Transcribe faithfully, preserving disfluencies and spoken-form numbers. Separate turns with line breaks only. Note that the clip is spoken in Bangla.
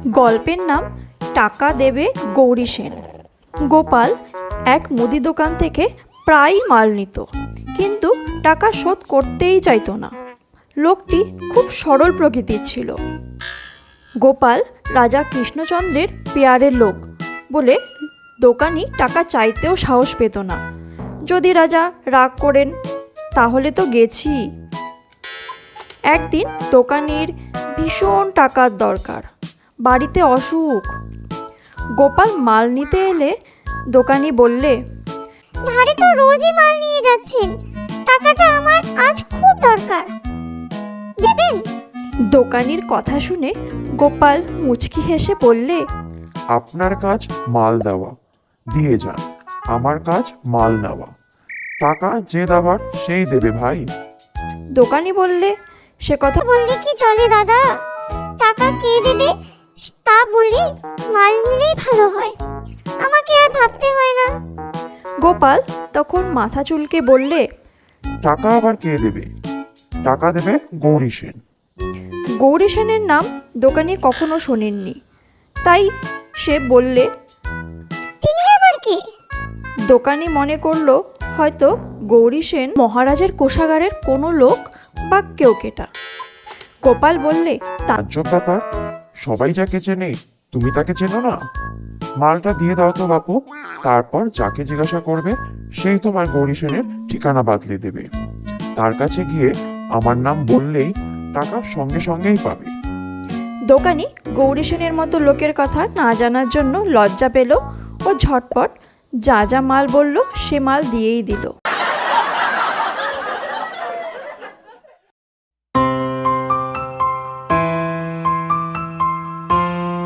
গল্পের নাম টাকা দেবে গৌরী সেন। গোপাল এক মুদি দোকান থেকে প্রায়ই মাল নিত, কিন্তু টাকা শোধ করতেই চাইতো না। লোকটি খুব সরল প্রকৃতির ছিল। গোপাল রাজা কৃষ্ণচন্দ্রের পেয়ারের লোক বলে দোকানি টাকা চাইতেও সাহস পেত না। যদি রাজা রাগ করেন তাহলে তো গেছি। একদিন দোকানির ভীষণ টাকার দরকার, বাড়িতে অসুখ। গোপাল মাল নিতে এলে দোকানি বললে,
ধারে তো রোজই মাল নিয়ে যাচ্ছেন, টাকাটা আমার আজ খুব দরকার, দেবেন?
দোকানির কথা শুনে গোপাল মুচকি হেসে বললে,
আপনার কাজ মাল দেওয়া, দিয়ে যান। আমার কাজ মাল নেওয়া। টাকা যে দেবার সেই দেবে ভাই।
দোকানি বললে, সে কথা
বললে কি চলে দাদা? টাকা কে দেবে তা বলি, মাল নিলেই ভালো হয়, আমাকে আর ভাবতে হয় না।
গোপাল তখন মাথা চুলকে বললে,
টাকা আবার কে দেবে? টাকা দেবে গৌরী সেন।
গৌরী সেনের নাম দোকানি কখনো শোনেননি, তাই সে বললে,
তিনি আবার কে?
দোকানি মনে করলো হয়তো গৌরী সেন মহারাজের কোষাগারের কোনো লোক বা কেউ কেটা। গোপাল বললে, তা
তাজ্জব ব্যাপার, সবাই যাকে চেনে তুমি তাকে চেনো না? মালটা দিয়ে দাও তো বাপু, তারপর যাকে জিজ্ঞাসা করবে সেই তোমার গৌরী সেনের ঠিকানা বাতলে দেবে। তার কাছে গিয়ে আমার নাম বললেই টাকা সঙ্গে সঙ্গেই পাবে।
দোকানি গৌরী সেনের মতো লোকের কথা না জানার জন্য লজ্জা পেল ও ঝটপট যা যা মাল বলল সে মাল দিয়েই দিল।